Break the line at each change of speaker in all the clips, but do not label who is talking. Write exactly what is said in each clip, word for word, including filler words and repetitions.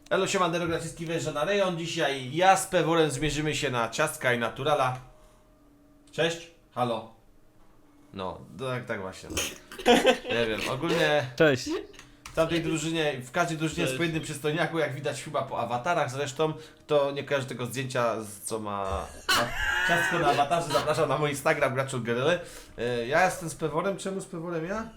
Elo, siemandero, Graciski wjeżdża na rejon. Dzisiaj ja z Peworem zmierzymy się na ciastka i naturala. Cześć, halo. No, tak, tak właśnie. Nie wiem, ogólnie
Cześć.
w tamtej drużynie, w każdej drużynie jest po jednym przystojniaku, jak widać chyba po awatarach zresztą. Kto nie kojarzy tego zdjęcia, z- co ma, ma ciastko na awatarze, zapraszam na mój Instagram, Graczul Gerele. Ja jestem z Peworem, czemu z Peworem ja?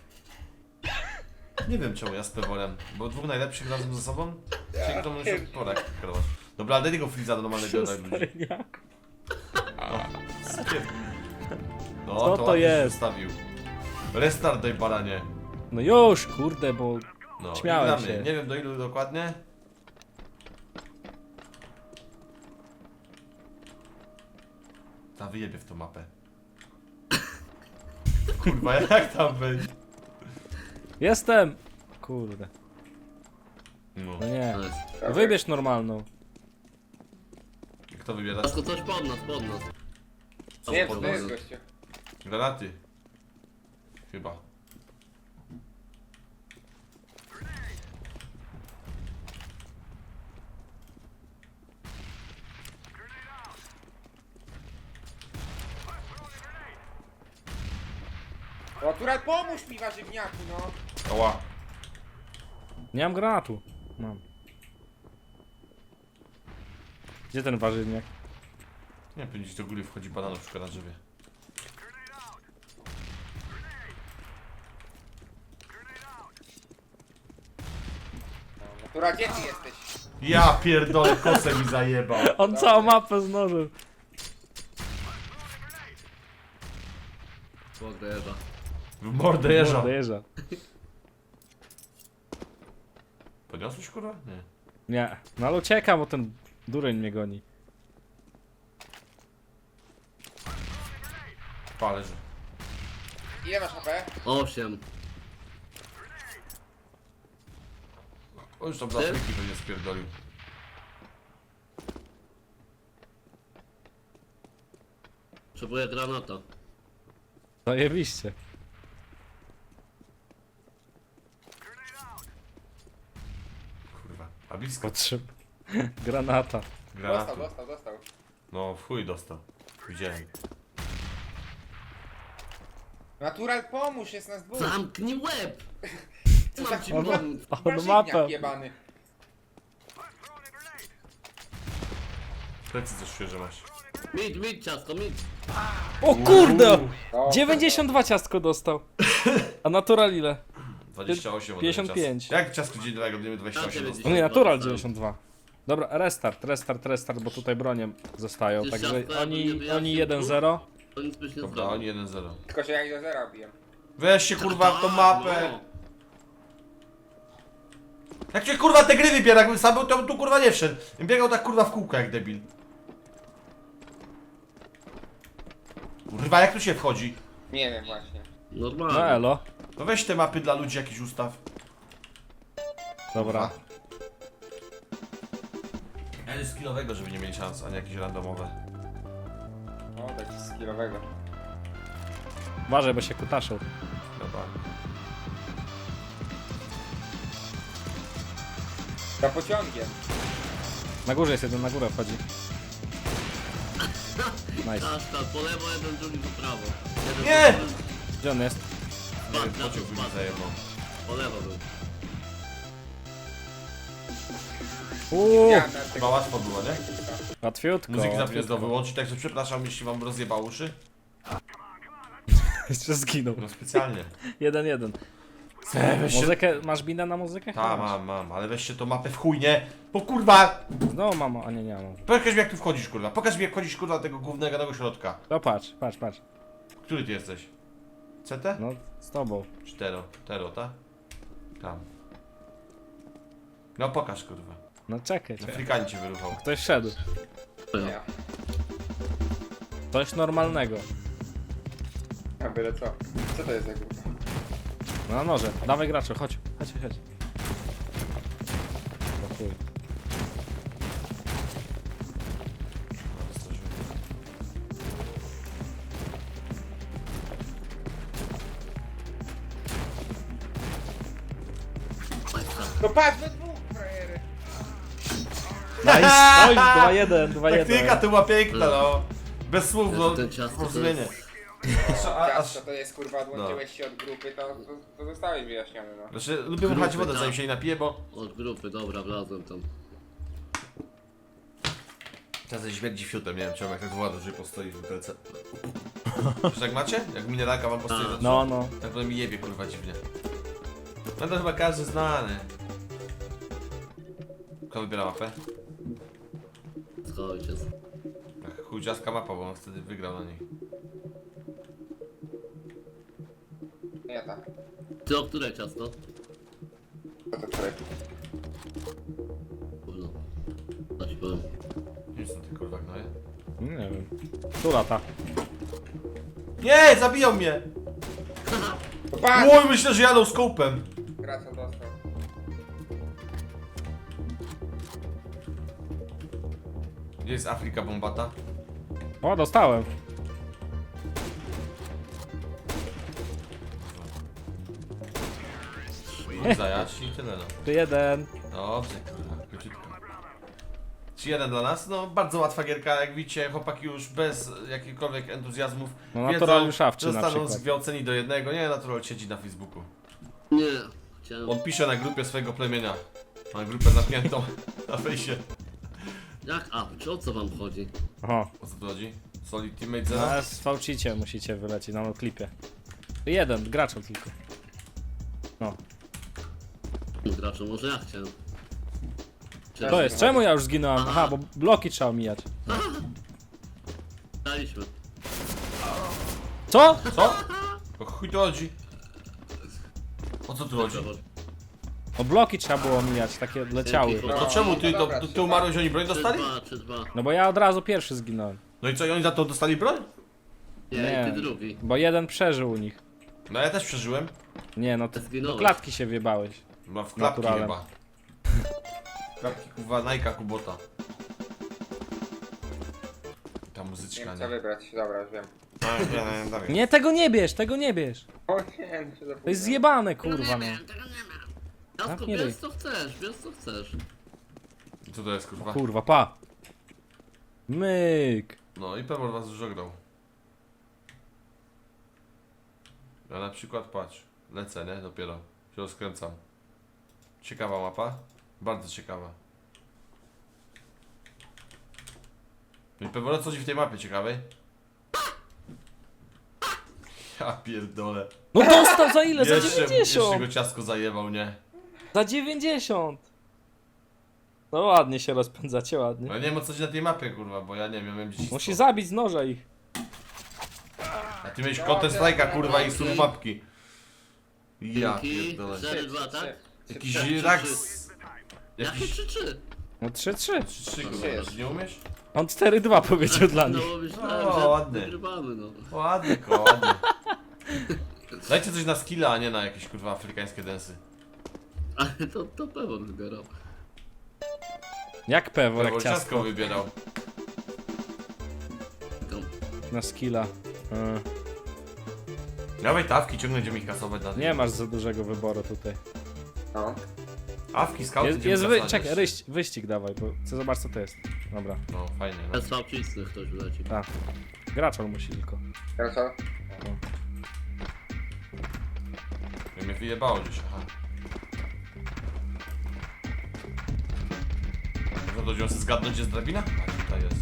Nie wiem czemu ja z Peworem, bo dwóch najlepszych razem ze sobą? Czyli kto może porek kreować. Dobra, daj tego Freeza do normalnego dla ludzi.
Przystojniak.
No,
Co to
ładnie się
jest?
Zostawił. Restart daj baranie.
No już, kurde, bo
No,
Śmiałem
i gramy.
się.
Nie wiem do ilu dokładnie. Ta wyjebie w tą mapę. Kurwa, jak tam być?
jestem! Kurde.
No.
No nie. Wybierz normalną.
Kto wybiera?
Tylko coś pod nas, pod nas.
Nie,
pod
to
nas.
jest gościu.
Granaty. Chyba.
O, Tural, pomóż mi, warzywniaku, no.
Oła.
Nie mam granatu. Mam. Gdzie ten warzywniak?
Nie wiem, gdzieś do góry wchodzi banan na przykład na drzewie.
No, Tural, gdzie ty jesteś?
Ja pierdolę, kosę mi zajebał.
On całą mapę znożył.
Podejrza.
W mordę jeża.
Dojeżdża.
Podniosłeś kurwa? Nie.
Nie. No ale ucieka, bo ten dureń mnie goni.
Pa, leży.
Ile masz H P?
Osiem.
O, już tam za friki pewnie spierdolił.
Potrzebuję granata.
Zajebiście.
Kurwa. A blisko.
Potrzeb... Granata.
Granatu.
Dostał, dostał, dostał.
No, w chuj dostał. Widziałem.
Natural, pomóż, jest nas dwóch.
Zamknij łeb!
Co
Mam
za
ci
kurwa
pomóc.
On
warzywniak
mapę.
jebany.
Plecy coś świeże masz.
Mid, mid, ciasto, mid.
O kurde!
O,
dziewięćdziesiąt dwa ciastko dostał. A natural ile?
dwadzieścia osiem od
pięćdziesiąt
tego
pięć.
czasu. Jak ciasko dziennego będziemy dwadzieścia osiem
Ja
dostał?
No nie, natural dziewięćdziesiąt dwa. Dobra, restart, restart, restart, bo tutaj bronie zostają.
Gdzieś
Także
ciastko,
oni,
jakby nie
oni
wyjaśnił
jeden
tu.
zero.
To nic byś nie
Dobra,
zrobił.
oni jeden zero.
Tylko się jak do zera biję.
Weź się kurwa w tą mapę!
No.
Jak się kurwa te gry wybiera, jakbym sam był, to bym tu kurwa nie wszedł. Bym biegał tak kurwa w kółko jak debil. Kurwa, jak tu się wchodzi?
Nie wiem właśnie.
No
Normalnie.
elo.
No weź te mapy dla ludzi jakiś ustaw.
Dobra.
Ja jest skillowego, żeby nie mieć szans, a nie jakieś randomowe.
O, dać ci skillowego.
Uważaj, bo się kutaszą.
Dobra.
Za pociągiem.
Na górze jest jeden, na górę wchodzi. Nice.
Ciasta, po lewo jeden, drugi po prawo. Jeden
Nie!
po lewo.
Gdzie on jest?
Nie wiem,
Spadł,
pociąg by mi
spadł.
zajebał.
Po lewo był.
Uuu,
Ja na tego-
Chyba łatwo było, nie?
łatwiutko.
Muzyki zawsze
łatwiutko.
znowu wyłączyć, także przepraszam, jeśli wam rozjebał uszy.
Jeszcze zginął.
No specjalnie.
Jeden, jeden.
Weź się...
Muzykę, masz binę na muzykę?
Ta, mam, mam, ale weźcie tą mapę w chuj, nie? Bo kurwa!
No mamo, a nie, nie mam.
Pokaż mi jak tu wchodzisz, kurwa. Pokaż mi jak wchodzisz, kurwa, do tego głównego tego środka.
No patrz, patrz, patrz.
Który ty jesteś? C T?
No, z tobą.
Cztero. Tero, ta? Tam. No pokaż, kurwa.
No czekaj, czekaj.
Afrykanie cię wyruchał.
Ktoś wszedł.
Nie.
Coś normalnego.
A byle co? Co to jest za grupa?
No na noże. Dawaj graczu, chodź. Chodź, chodź. O chuj.
No patrz, we dwóch, frajery.
Nice, oj, dwa jeden, dwa jeden.
Taktyka to była piękna, no. Bez słów, no.
Ten ciasto to
Porozumienie.
jest...
A, a,
Ciasto to jest kurwa, odłączyłeś się od grupy, to, to, to zostałeś wyjaśniony, no.
znaczy, lubię muchać
Grupy,
wodę,
tak.
zanim się nie napije, bo...
Od grupy, dobra, wlazłem tam.
Czasem śmierdzi fiutem, nie wiem czemu, jak tak woda dłużej postoi w butelce. Czy tak macie? Jak mineralka wam postoi za
No, no.
Tak to mi jebie, kurwa, dziwnie. No to chyba każdy znany. Kto wybiera mapę?
Schowaj się.
Ach, chudziaska mapa, bo on wtedy wygrał na niej.
Nie tak.
Ty o które ciasto?
To to które?
Kurno. Co ci powiem?
Nie są te kurwa gnoje.
Nie wiem. Która ta?
Nie, zabiją mnie!
Patrz!
Oj, myślę, że jadą skopem.
Gracol dostał.
Gdzie jest Afryka bombata?
O, dostałem.
Zajaci i tyle no.
Tu jeden.
Dobrze, kurwa, króciutko. trzy jeden dla nas, no bardzo łatwa gierka, jak widzicie, chłopaki już bez jakichkolwiek entuzjazmów
No,
wiedzą,
natural szawczy na
zostaną
przykład.
zgwałceni do jednego. Nie, natural siedzi na Facebooku.
Nie. Chciałem...
On pisze na grupie swojego plemienia. Ma grupę zamkniętą na fejsie.
Jak? A, czy o co wam chodzi?
Oho.
O co tu chodzi? Solid Teammate zero?
A z fałcicie musicie wylecieć na klipie. Jeden, graczem tylko. No.
Graczu, może ja chciałem. Czy
To jest, czemu ja już zginąłem? Aha, bo bloki trzeba omijać.
Daliśmy.
Co?
Co? O chuj tu chodzi? O co tu chodzi?
No bloki trzeba było omijać, takie leciały.
Dzięki.
To czemu ty,
No
to,
dobra,
to, ty
trzy,
umarłeś, oni broń
Trzy,
dostali?
dwa, trzy, dwa.
No bo ja od razu pierwszy zginąłem.
No i co, i oni za to dostali broń?
Nie,
Nie.
ty drugi.
Bo jeden przeżył u nich.
No ja też przeżyłem.
Nie, no ty do
Zginąłeś.
klatki się wjebałeś.
No w klapki
Naturalem.
chyba. Klapki kuwa, Nike'a Kubota. Ta
Nie
muzyczka,
wiem
nie?
co wybrać, dobra, już wiem.
No, nie, nie, dawaj.
Nie, tego nie bierz, tego nie bierz.
O nie, no się zapomniałem.
To jest zjebane, kurwa, no.
Jasko,
Zamknij ryj.
bierz co chcesz, bierz co chcesz.
Co to jest kurwa?
Kurwa, pa. Myk.
No i Pebor was dużo grał. Ja na przykład patrz, lecę, nie? Dopiero się rozkręcam. Ciekawa mapa? Bardzo ciekawa. No i Pebor, co ci w tej mapie ciekawej? Ja pierdolę.
No dostał za ile? Za
Jeszcze, jeszcze
dziewięćdziesiąt.
go ciasko zajebał, nie?
Za dziewięćdziesiąt. No ładnie się rozpędzacie,
No
ładnie.
ja nie wiem o co ci na tej mapie kurwa, bo ja nie wiem, miałem dziś.
Musi zabić z noża ich.
A ty miałeś Counter Strike'a kurwa i sub mapki. Ja
Dzięki.
pierdolę.
cztery dwa, tak?
Jakiś
Trzy, trzy,
rak
trzy.
z...
Jakie
Jakiś...
trzy trzy?
No trzy trzy.
trzy trzy kurwa,
jest.
nie umiesz?
On cztery dwa powiedział dla nich.
No myślałem,
O,
że
ładny.
wygrywamy, no.
Ładnie, ko, ładnie. Dajcie coś na skilla, a nie na jakieś kurwa afrykańskie densy.
Ale to, to pewno wybierał.
Jak pewor, jak
Bo ciasko
ciastko.
wybierał.
To,
Na skilla. E,
Dawaj tawki, ciągle będziemy ich kasować na
Nie masz za dużego wyboru tutaj.
No.
Awki, skauty
Jest,
będziemy
jest wy...
kasować
Czekaj,
jeszcze.
ryś, wyścig dawaj, bo chcę zobaczyć co to jest. Dobra,
No fajnie, no.
bez fałcisty ktoś wleci.
tak. Graczol musi tylko.
Gracol?
Ja mnie wyjebało gdzieś, aha. No to będziemy sobie zgadnąć, gdzie jest drabina? A tutaj jest.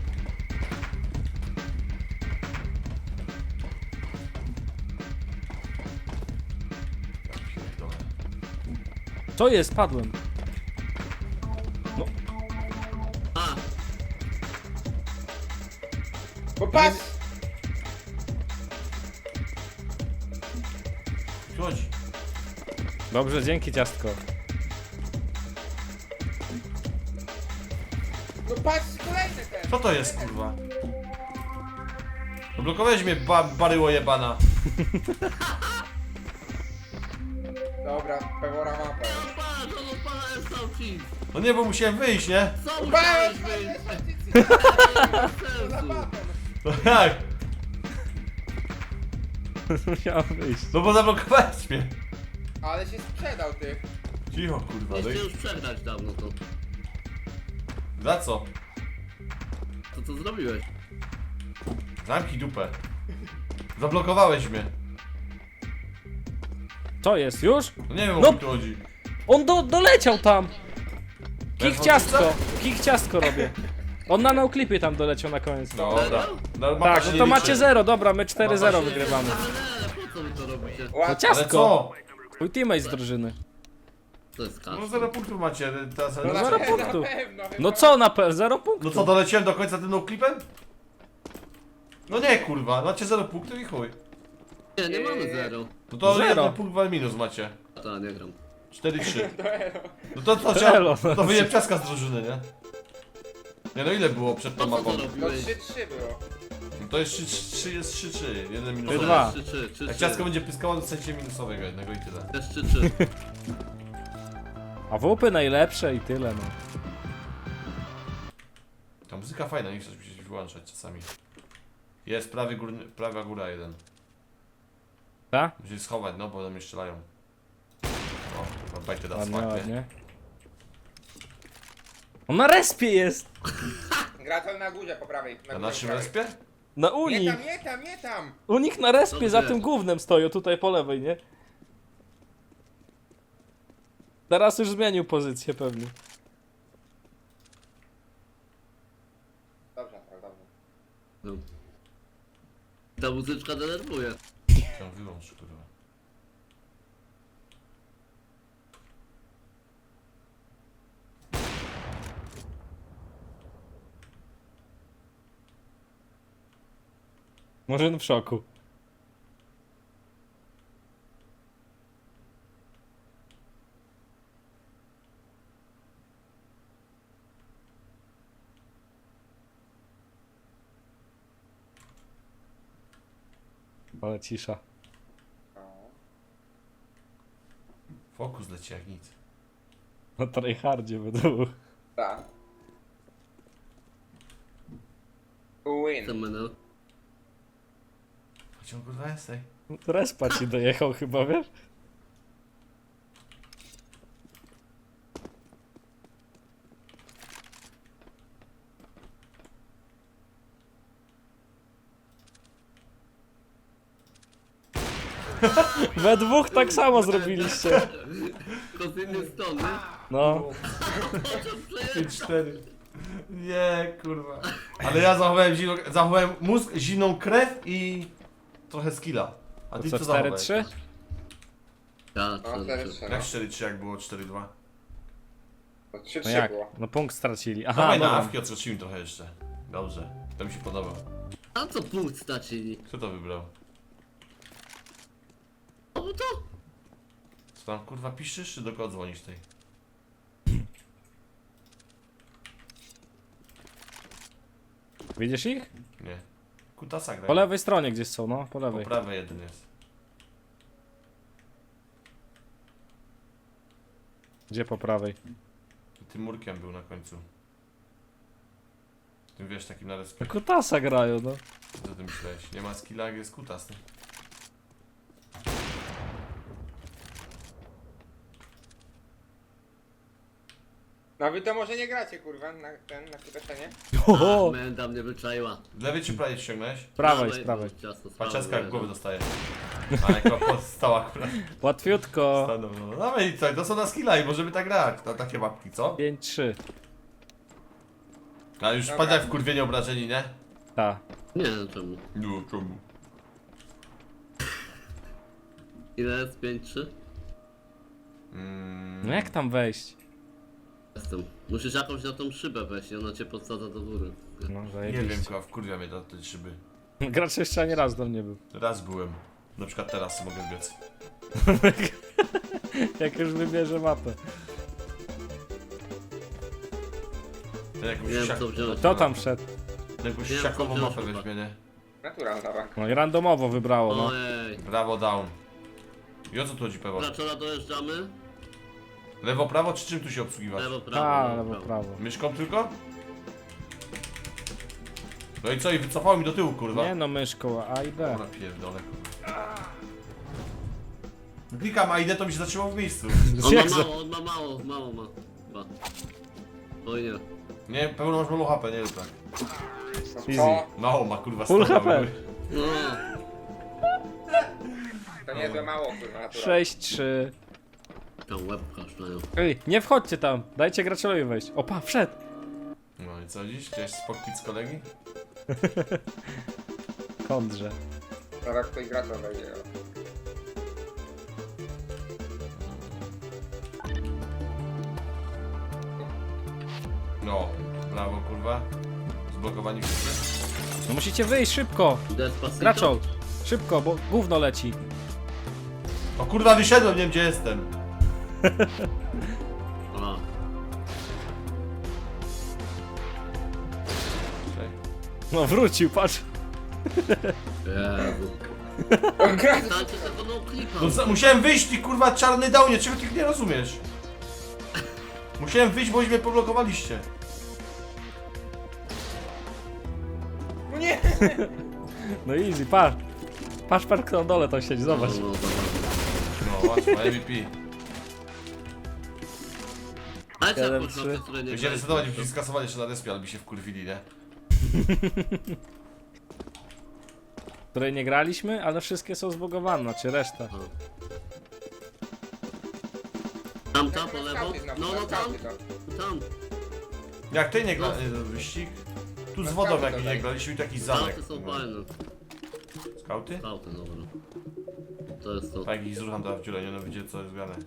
Ja pierdolę.
Co jest? Padłem.
A,
Bo patrz!
Tu chodzi.
Dobrze, dzięki ciastko.
No patrz, kolejny ten!
Co to jest kurwa? Zablokowałeś mnie ba baryło jebana.
Dobra, pewora mapę.
no patrz, on odpala jest fałcisty.
No nie, bo musiałem wyjść, nie?
Co
Patrz,
musiałeś wyjść?
patrz,
Bez
za
sensu.
baton.
No jak?
Musiałem wyjść.
No bo zablokowałeś mnie.
Ale się sprzedał ty.
Cicho kurwa, no
Musicie
i...
już przegrać dawno to.
Za co?
To co zrobiłeś?
Zamknij dupę. Zablokowałeś mnie.
Co jest, już?
No nie wiem o
No.
co tu chodzi.
On do, doleciał tam!
Bez
Kich ciastko!
wątpienia?
Kich ciastko robię. On na noclipie tam doleciał na koniec.
Dobra. No, mapa
Tak,
się
no
nie
to
liczy.
macie zero, dobra, my cztery zero
Mapa się-
wygrywamy.
Ale po co wy to robicie?
To
Łap,
Ale
ciastko!
co?
Twój teammate z drużyny.
To jest
No
kasza.
zero punktów macie. Teraz...
no
No
na
zero
pewno,
punktów.
na pewno,
No
chyba.
co na P? Zero
No
punktów.
co, doleciałem do końca tym klipem? No nie kurwa, macie zero punktów i chuj.
Nie, nie mamy zero.
No to
Zero.
jeden punkt wal minus macie.
A to nie gram.
cztery trzy. No to to,
Elo.
to, to wyjem ciaska z drużyny, nie? Nie no ile było przed tą
Po co
mapą?
to
No
robiłeś?
trzy trzy było.
No to jest trzy trzy, jest trzy trzy, jeden minus.
Ty dwa.
trzy trzy, trzy
Jak
trzy.
ciasko będzie pyskało, dostajecie minusowego jednego i tyle.
Też trzy trzy.
A wupy najlepsze i tyle, no.
Ta muzyka fajna, nie chcesz mi się wyłączać czasami. Jest prawy górny, prawa góra jeden.
Ta?
Musisz schować, no bo do mnie strzelają. O, kurwa, bajkę da
Ładnie,
smak, nie?
ładnie. On na respie jest!
Gratel na górze po prawej. Na,
Na
górze
naszym
po prawej.
respie?
Na
Nie
Unii!
tam, nie tam, nie tam!
U nich na respie
Dobrze.
za tym głównym stoją, tutaj po lewej, nie? Teraz już zmienił pozycję pewnie.
Dobrze, tak, dobrze.
No. Ta muzyczka denerwuje.
Chciałem wyłączyć, kurwa.
Może w szoku. Ale cisza.
No.
Fokus leci jak nic.
Na tryhardzie będą.
Tak. Win.
Ten menel.
Chodź on kurwa jest, ej.
Respa ci dojechał chyba, wiesz? We dwóch tak samo zrobiliście.
To z innej strony.
No.
pięć cztery. Nie, kurwa. Ale ja zachowałem, zimno, zachowałem mózg, zimną krew i trochę skilla. A
To
ty
co,
co
cztery
zachowałeś?
trzy?
Tak,
No, cztery
trzy
trzy.
Jak cztery trzy, jak było cztery dwa?
No trzy
No
trzy
jak?
było.
No punkt stracili. Aha,
Dawaj na
dobra.
awki, odskoczymy trochę jeszcze. Dobrze, to mi się podoba.
A co punkt stracili?
Kto to wybrał?
O to?
Co tam kurwa piszesz, czy do kogo dzwonisz tej?
Widzisz ich?
Nie. Kutasa gra.
Po lewej stronie gdzieś są, no, po
Po
lewej.
prawej jeden jest.
Gdzie po prawej?
Tym murkiem był na końcu. Tym wiesz, takim na respie.
Kutasa grają, no.
Co ty myślałeś? Nie ma skilla, jak jest kutas, nie?
No wy to może nie gracie kurwa na ten, na kutaszenie?
Oho!
Menda mnie wyczaiła.
Z lewej czy prawej ściągnąłeś?
Prawej, z prawej.
Ciasto,
Patrzaska jak głowy
dostaje.
dostaje. A jako podstała akurat.
Łatwiutko.
Stanął, no. No i co, to są na skilla i możemy tak grać. Na takie mapki, co?
pięć trzy.
A już
Dobra.
padł jak wkurwienie obrażeni, nie?
Ta.
Nie wiem czemu.
No, czemu?
Ile jest? pięć trzy?
Mm,
No jak tam wejść?
Jestem. Musisz jakąś na tą szybę wejść i ona cię podsadza do góry.
No,
nie
zajebiście.
wiem, kurwa, wkurwia mnie do tej szyby.
Gracz jeszcze ani raz do mnie był.
Raz byłem. Na przykład teraz mogę biec.
Jak już wybierze mapę.
Ten jakąś
Nie wiem,
siak-
co wziąć.
Kto tam wszedł?
Jakąś
Nie wiem,
siakową
co
mapę
wziąć,
weźmie, nie?
Naturalna bank.
No i randomowo wybrało, no.
Ojej.
Brawo, down. I o co tu chodzi, Pewo?
Graczora dojeżdżamy.
Lewo, prawo, czy czym tu się obsługiwać?
Lewo, prawo.
Ta, lewo, prawo.
Myszką tylko? No i co, i wycofało mi do tyłu, kurwa.
Nie no, myszką, A i B.
Dobra, pierdolę, kurwa. Klikam A i D, to mi się zatrzymało w miejscu.
On ma
Jak za...
mało, on ma mało, mało ma. Chyba. Oj nie.
Nie, pełno masz mało H P, nie rób tak.
No
Easy.
co?
Mało ma kurwa
Full
sto,
H P.
No,
To niezłe mało, kurwa, natura.
sześć trzy.
tam łebka szlają.
Ej, nie wchodźcie tam. Dajcie graczowi wejść. Opa, wszedł.
No i co dziś? Chciałeś spokpić z kolegi?
Kądrze.
Zaraz ktoś gracza wejdzie.
No, brawo kurwa. Zblokowani wszyscy.
No musicie wyjść szybko.
Despacito?
Graczol. Szybko, bo gówno leci.
O kurwa wyszedłem, nie wiem gdzie jestem.
A,
Czekaj.
No wrócił, patrz.
Jezu.
Gracz!
Dajcie tego no klipa.
No za, musiałem wyjść, ty kurwa czarny downie, czego ty nie rozumiesz? Musiałem wyjść, bo mnie poblokowaliście.
No nie!
No easy, patrz. Patrz, patrz kto na dole tam siedzi, zobacz.
No, no, dobra.
No właśnie, M V P.
Dajcie
Jeden,
jakąś
trzy.
mapę, której nie
Będziemy
graliśmy.
zdecydować, byśmy skasowali jeszcze na respie, ale by się wkurwili, nie?
Której nie graliśmy, ale wszystkie są zbugowane, znaczy reszta.
Tam, tam, po lewo.
Skauty znowu,
No, no, tam,
skauty to.
tam.
Jak ty nie gra... y, wyścig? Tu z wodą jak nie graliśmy i taki zamek.
Skauty są fajne.
Skauty?
Skauty, dobra. To jest to.
Tak, ich zrucham teraz w dziurę, nie no widzicie co jest grane.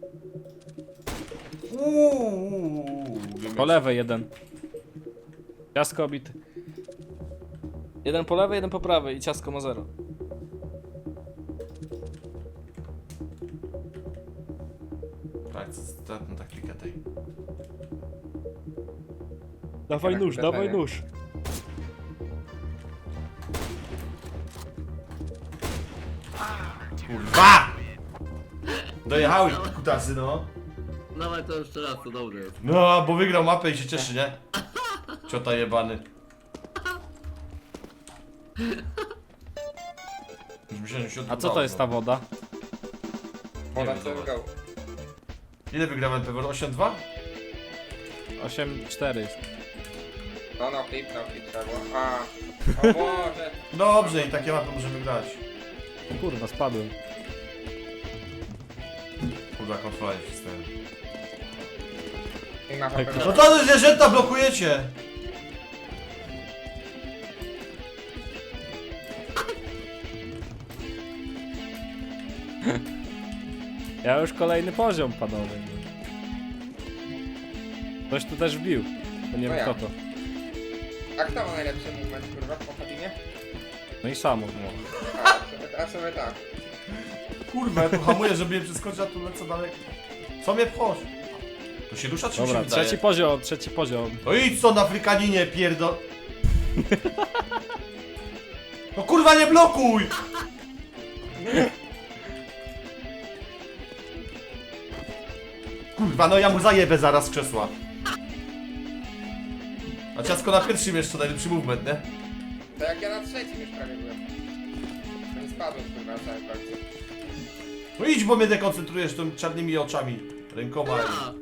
Uuuu,
Po lewej jeden. Ciasko obity. Jeden po lewej, jeden po prawej i ciasko ma zero.
Tak, ostatnią taktykę tej.
Dawaj nóż,
bez
dawaj
mega.
nóż.
Kurwa! Dojechały kutasy, no.
Dawaj to jeszcze raz, to dobre jest.
No, bo wygrał mapę i się cieszy, nie? Ciota jebany. Już myślałem, że się
A co
odbudował,
to jest ta
no.
woda?
Ona
wiem,
co
zobacz.
wygrał.
Ile wygrałem pewnie? osiem dwa?
osiem cztery.
No, no, flip, no, flip trzeba było. A, o Boże.
Dobrze, i takie mapy możemy grać.
Kurwa, spadłem.
Kurwa, kontrola nie wcisnąłem.
Nie ma
Tak,
H P.
No to zwierzęta blokujecie!
Ja już kolejny poziom, panowie. Ktoś tu też wbił. To nie
No
wiem
ja.
kto to.
A kto ma najlepszy movement, kurwa, w Kompatinie?
No i samo.
A, sobie, a sobie tak.
Kurwa, ja tu hamuję, żeby je przeskoczyć, a tu lecę dalej. Co mnie pchosz? To się rusza, czy mi się
Dobra,
wydaje?
trzeci poziom, trzeci poziom.
No idź stąd, Afrykaninie, pierdol... No kurwa, nie blokuj! Kurwa, no ja mu zajebę zaraz z krzesła. A ciasko na pierwszym jeszcze najlepszy movement, nie?
To jak ja na trzecim już prawie byłem. To nie spadłem, kurwa, na samym końcu.
No idź, bo mnie dekoncentrujesz tymi czarnymi oczami, rękoma
A,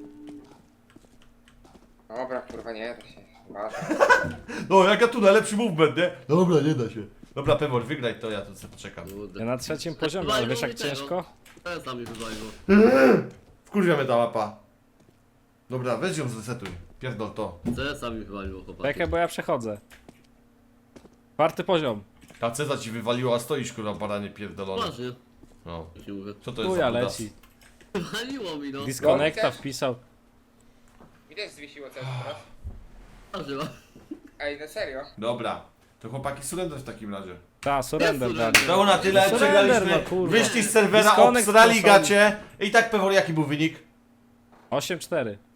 Dobra, kurwa, nie da się. Masz.
No, jaka tu najlepszy movement, nie? Dobra, nie da się. Dobra, Pemor, wygraj to, ja tu sobie poczekam.
kurde.
Ja na trzecim poziomie, ale wiesz jak ciężko?
To jest sami wywaliło.
Wkurwia mnie ta mapa. Dobra, weź ją zresetuj. Pierdol to.
Co jest sami wywaliło, chłopaki.
Czekaj, bo ja przechodzę. Czwarty poziom.
Ta ceza ci wywaliła, a stoisz kurwa baranie pierdolone.
Poważnie,
No.
jak ci mówię.
Co to jest
Tu ja
za budas?
leci.
Wywaliło mi no.
Disconnecta
też.
wpisał.
Mi też zwiesiło coś teraz.
Poważnie, no.
Ej, no serio?
Dobra. To chłopaki surrender w takim razie.
Ta, surrender
Jest
dali.
surrender.
To na tyle,
Surrender,
przegraliśmy.
no kurwa.
Wyszli z serwera,
Disconnect
obstrali
to są-
gacie. I tak Pewor, jaki był wynik?
osiem cztery.